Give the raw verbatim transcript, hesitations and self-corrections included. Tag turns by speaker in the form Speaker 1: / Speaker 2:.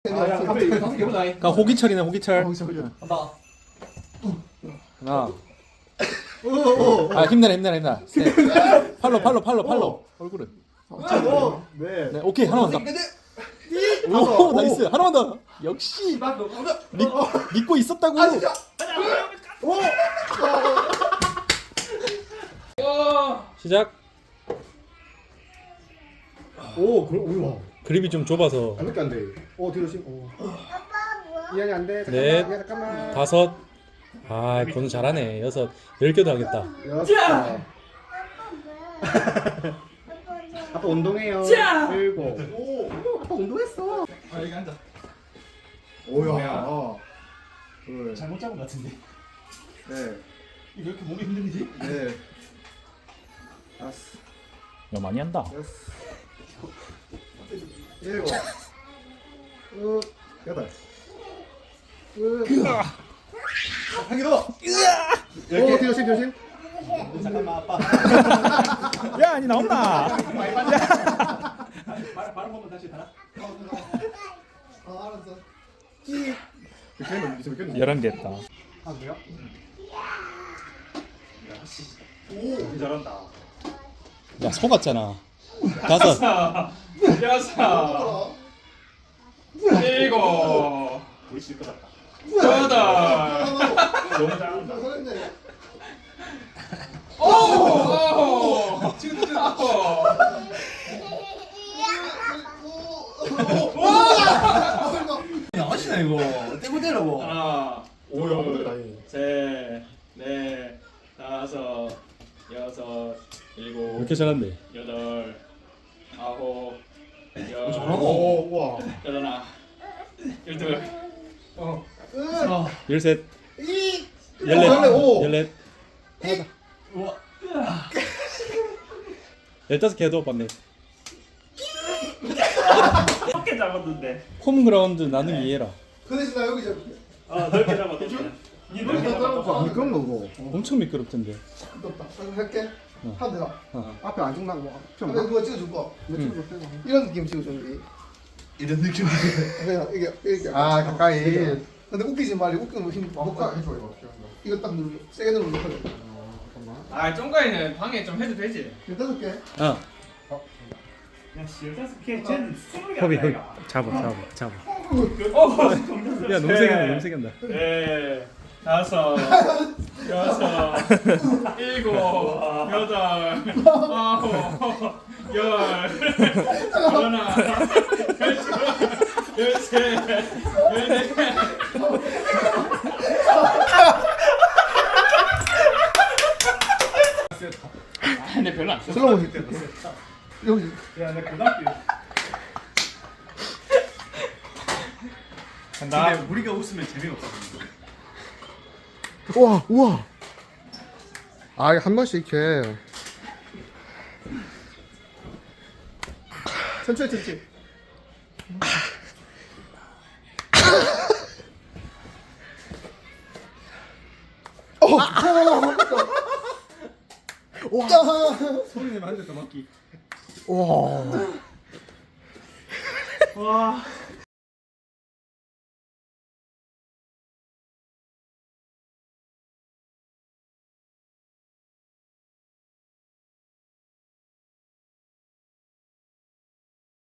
Speaker 1: 아야 갑자기 다섯 개 보자.
Speaker 2: 그러니까 호기철이네 호기철.
Speaker 1: 간다.
Speaker 2: 하나. 아 힘내라 힘내라 힘내라. 셋. 팔로 팔로 팔로 팔로. 얼굴은.
Speaker 3: 네.
Speaker 2: 네 오케이 하나만 더. 오 나이스 하나만 더. 역시 믿, 믿고 있었다고. 시작.
Speaker 3: 오, 그럼 우와.
Speaker 2: 그립이 좀 좁아서.
Speaker 3: 그렇게 안 돼. 오, 뒤로 심. 오. 이한이 안 돼.
Speaker 2: 넷.
Speaker 3: 잠깐만. 야, 잠깐만.
Speaker 2: 다섯. 아 건우 잘하네. 여섯. 열 개도 하겠다.
Speaker 3: 여섯. 아빠 운동해요. 일곱. 오, 아빠 운동했어.
Speaker 1: 아 여기 앉아.
Speaker 3: 오야. 둘.
Speaker 1: 잘못 잡은 것 같은데.
Speaker 3: 네.
Speaker 1: 이거 왜 이렇게 몸이 힘든지?
Speaker 3: 네. 다섯.
Speaker 2: 야 많이 한다.
Speaker 3: 여섯. 일곱. 육. 여덟. 끝.
Speaker 1: 한 개 더.
Speaker 3: 오, 뒤로 심, 뒤로 심.
Speaker 1: 잠깐만 아빠.
Speaker 2: 야 아니 나온다.
Speaker 1: 발 발음 한번 다시 달아.
Speaker 3: 아, 알았어. 이. 몇 개는 이제 몇 개는?
Speaker 2: 열한 개 했다.
Speaker 3: 아, 그래요?
Speaker 1: 오 잘한다.
Speaker 2: 야 속았잖아. 다섯.
Speaker 4: 여섯, 일곱,
Speaker 1: 우리 질 것 같다.
Speaker 4: 여덟,
Speaker 1: 너무 잘한다.
Speaker 4: 오, 지금 지금
Speaker 1: 아시나 이거 떼고 떼라고.
Speaker 4: 하나,
Speaker 3: 오야,
Speaker 4: 둘, 셋, 넷, 다섯, 여섯,
Speaker 2: 왜
Speaker 4: 일곱,
Speaker 2: 이렇게 잘한대?
Speaker 4: 여덟, 아홉, 열,
Speaker 3: 오, 우와.
Speaker 4: 열하나, 열둘, 어,
Speaker 2: 열셋.
Speaker 3: 이.
Speaker 2: 열넷.
Speaker 3: 오.
Speaker 2: 열넷.
Speaker 1: 우와.
Speaker 2: 열다섯 개 해도 봤네.
Speaker 4: 몇개 잡았는데?
Speaker 2: 홈그라운드 나는 이해라.
Speaker 3: 그 대신 나 여기 잡.
Speaker 4: 아, 넓게 잡았는데. 이 넓게 잡았다.
Speaker 3: 미끄럼 거
Speaker 2: 엄청 미끄럽던데.
Speaker 3: 덥다. 할게.
Speaker 2: 어.
Speaker 3: 하면 되나?
Speaker 2: 어.
Speaker 3: 앞에 안 죽나? 뭐 앞에 그거 찍어줄 거. 이런 느낌 찍어주는 게.
Speaker 1: 이런 느낌.
Speaker 3: 그냥 이게 이게. 아 가까이. 근데 웃기지 말이 웃기면 힘. 못가 해줘 이거. 이거 딱 누르. 세게 누르면 못하게. 잠깐만.
Speaker 4: 아, 쫑가이는 방에 좀 해도 되지.
Speaker 3: 일단 게
Speaker 2: 어.
Speaker 4: 야, 열다섯 개, 쟤는 스물 개
Speaker 2: 허비 허비.
Speaker 4: 아이가.
Speaker 2: 잡아 잡아 잡아.
Speaker 4: 어, 점점
Speaker 2: 야 너무 세게 한다 너무 세게 한다.
Speaker 4: 네, 다섯, 여섯, 일곱, 여덟, 아홉, 열, 열하나, 열둘, 열셋, 열넷. 아, 근데 별로 안 써.
Speaker 3: 슬로우 힐 여기.
Speaker 4: 야, 내 고등학교. 간다.
Speaker 1: 근데 우리가 웃으면 재미가 없어.
Speaker 3: 우와 우와. 아 이거 한 번씩 이렇게. 천천히 천천히. 어. 와.
Speaker 1: 소리 내면 한 대 더 맞기.
Speaker 3: 와.
Speaker 4: 와,